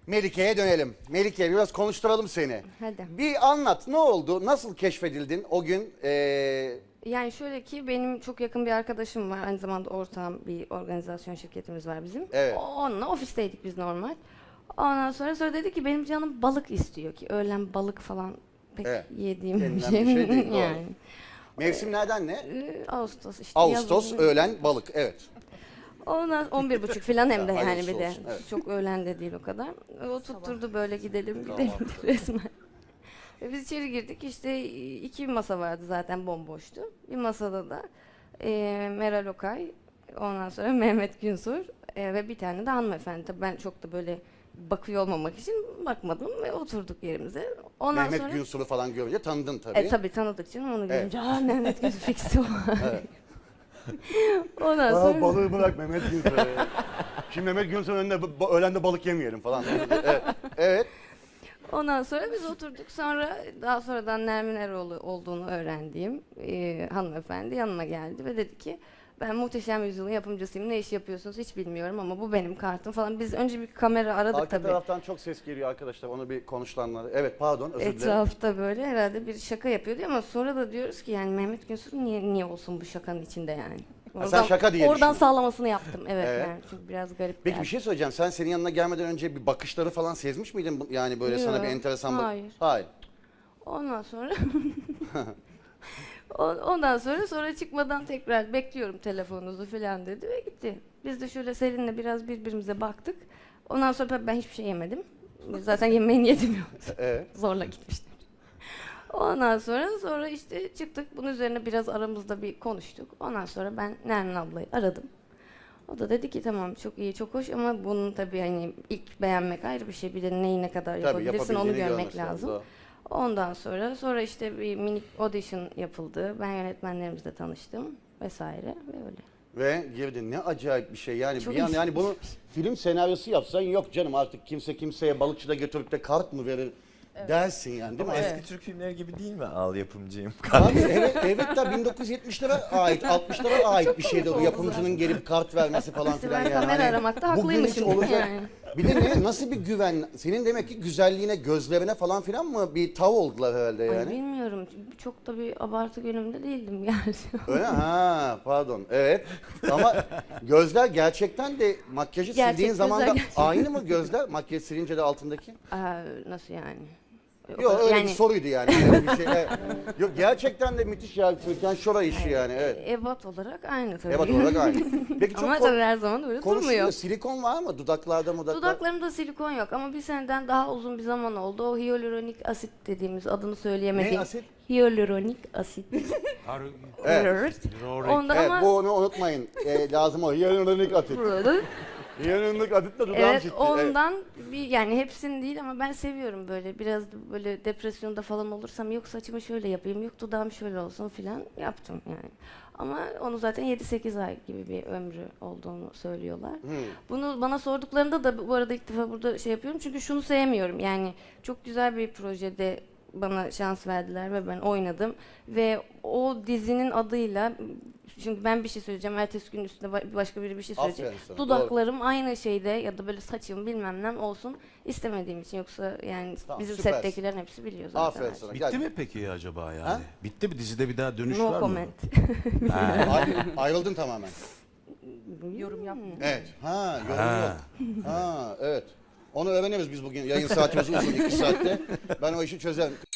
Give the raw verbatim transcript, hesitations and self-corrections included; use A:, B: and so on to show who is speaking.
A: Melike'ye dönelim. Melike biraz konuşturalım seni.
B: Hadi.
A: Bir anlat, ne oldu? Nasıl keşfedildin o gün? Ee,
B: Yani şöyle ki benim çok yakın bir arkadaşım var. Aynı zamanda ortağım, bir organizasyon şirketimiz var bizim.
A: Evet.
B: Onunla ofisteydik biz normal. Ondan sonra sonra dedi ki benim canım balık istiyor ki öğlen balık falan pek
A: Evet.
B: yediğim bir
A: Yenilen
B: şey.
A: bir şey değil, doğru.
B: yani.
A: mevsimlerden ne?
B: Ee, Ağustos işte.
A: Ağustos,
B: yazın.
A: öğlen, balık. Evet.
B: Ondan on bir buçuk falan hem de
A: Ya,
B: yani
A: hayırlısı
B: bir de.
A: olsun, evet.
B: Çok öğlen de değil o kadar. O tutturdu böyle gidelim gidelim resmen. Ve biz içeri girdik işte iki masa vardı zaten bomboştu. Bir masada da e, Meral Okay, ondan sonra Mehmet Günsur e, ve bir tane de hanımefendi. Tabii ben çok da böyle bakıyor olmamak için bakmadım ve oturduk yerimize. Ondan
A: Mehmet
B: sonra,
A: Günsur'u falan görünce tanıdın tabii.
B: E tabii tanıdık canım onu
A: Evet.
B: görünce. Aa Mehmet Günsur fiksi var.
A: Evet.
B: Ondan
A: Aa,
B: sonra
A: balığı bırak Mehmet Günsur'u. Şimdi Mehmet Günsur'un önünde ba- öğlende balık yemeyelim falan. Evet. Evet.
B: Ondan sonra biz oturduk. Sonra daha sonradan Nermin Eroğlu olduğunu öğrendiğim e, hanımefendi yanıma geldi ve dedi ki ben Muhteşem Yüzyıl'ın yapımcısıyım. Ne iş yapıyorsunuz hiç bilmiyorum ama bu benim kartım falan. Biz önce bir kamera aradık
A: Arka
B: tabii.
A: taraftan çok ses geliyor arkadaşlar. Onu bir konuşulanları. Evet pardon özür dilerim.
B: Etrafta böyle herhalde bir şaka yapıyordu ama sonra da diyoruz ki yani Mehmet Günsur niye niye olsun bu şakanın içinde yani.
A: Ha, sen şaka diye
B: Oradan
A: düşündün.
B: sağlamasını yaptım. Evet,
A: Evet.
B: yani çünkü biraz garip
A: Peki
B: geldi.
A: bir şey söyleyeceğim. Sen senin yanına gelmeden önce bir bakışları falan sezmiş miydin? Bu- Yani böyle sana
B: Yok,
A: bir enteresan bak.
B: hayır.
A: Hayır.
B: Ondan sonra On- ondan sonra sonra çıkmadan tekrar bekliyorum telefonunuzu falan dedi ve gitti. Biz de şöyle Selin'le biraz birbirimize baktık. Ondan sonra tabii ben hiçbir şey yemedim. Zaten yemeği niyetim yoktu.
A: Evet.
B: Zorla gitmiştim. Ondan sonra sonra işte çıktık. Bunun üzerine biraz aramızda bir konuştuk. Ondan sonra ben Nermin ablayı aradım. O da dedi ki tamam çok iyi çok hoş ama bunun tabii hani ilk beğenmek ayrı bir şey. Bir de neyi ne kadar
A: Tabii
B: yapabilirsin onu
A: yapabildiğini
B: görmek
A: görmesi
B: lazım.
A: doğru.
B: Ondan sonra sonra işte bir minik audition yapıldı. Ben yönetmenlerimizle tanıştım vesaire ve öyle.
A: Ve girdin. Ne acayip bir şey. Yani
B: Çok
A: bir an yani
B: ilginç.
A: bunu film senaryosu yapsan yok canım artık kimse kimseye balıkçıda götürüp de kart mı verir dersin yani değil mi?
C: Ama
B: Evet.
C: eski Türk filmleri gibi değil mi? Al yapımcıyım.
A: Abi evet evet da bin dokuz yüz yetmişlere ait altmışlara ait bir şeydi o
B: oldu
A: yapımcının gelip kart vermesi falan
B: İşte
A: filan
B: ben
A: yani.
B: kamera
A: Hani
B: aramakta
A: bugün hiç
B: haklıymışım
A: olacak-
B: yani.
A: Bir de ne, nasıl bir güven? Senin demek ki güzelliğine, gözlerine falan filan mı bir tav oldular herhalde
B: Ay
A: yani?
B: bilmiyorum. Çok da bir abartı günümde değildim yani.
A: Öyle ha pardon evet ama gözler gerçekten de makyajı
B: Gerçek
A: sildiğin
B: gözler
A: zaman da
B: gerçek.
A: aynı mı gözler makyaj silince de altındaki?
B: Aa, nasıl yani? O
A: Yok
B: kadar-
A: öyle
B: yani,
A: bir soruydu yani. Öyle bir şey. Evet. Yok gerçekten de müthiş ya Türkan Şora işi yani evet.
B: Ebat olarak aynı tabii.
A: Evet olarak aynı. Peki çok
B: Ama
A: ko-
B: tabii her zaman öyle
A: konuşuluyor.
B: durmuyor.
A: Silikon var mı dudaklarda mudaklarda?
B: Dudaklarımda silikon yok ama bir seneden daha uzun bir zaman oldu. O hyaluronik asit dediğimiz adını söyleyemediğim.
A: Ne asit?
B: Hyaluronik asit.
A: Evet.
B: Ondan
A: Evet
B: ama
A: bu onu unutmayın. Ee, lazım o. Hyaluronik asit. Hyaluronik asitle dudağım
B: evet
A: ciddi.
B: ondan bir yani hepsini değil ama ben seviyorum böyle biraz da böyle depresyonda falan olursam yok saçımı şöyle yapayım yok dudağım şöyle olsun filan yaptım yani. Ama onu zaten yedi sekiz ay gibi bir ömrü olduğunu söylüyorlar.
A: Hmm.
B: Bunu bana sorduklarında da bu arada ilk defa burada şey yapıyorum çünkü şunu sevmiyorum yani çok güzel bir projede bana şans verdiler ve ben oynadım ve o dizinin adıyla çünkü ben bir şey söyleyeceğim ertesi gün üstüne ba- başka biri bir şey söyleyecek.
A: Aferin sana,
B: Dudaklarım aynı şeyde ya da böyle saçım bilmem ne olsun istemediğim için yoksa yani
A: Tamam,
B: bizim
A: süpersin.
B: settekilerin hepsi biliyor zaten.
A: Aferin
B: her
A: sana.
B: şeyi.
A: Gel.
D: Bitti mi peki acaba yani?
A: Ha?
D: Bitti mi? Dizide bir daha dönüş
B: No
D: var mı?
B: comment.
A: Ay- ayrıldın tamamen.
B: Yorum yapmıyorum.
A: Evet. Ha, yorum
D: Ha.
A: yok. Ha, evet. Onu öğreniriz biz bugün. Yayın saatimiz uzun iki saatte. Ben o işi çözerim.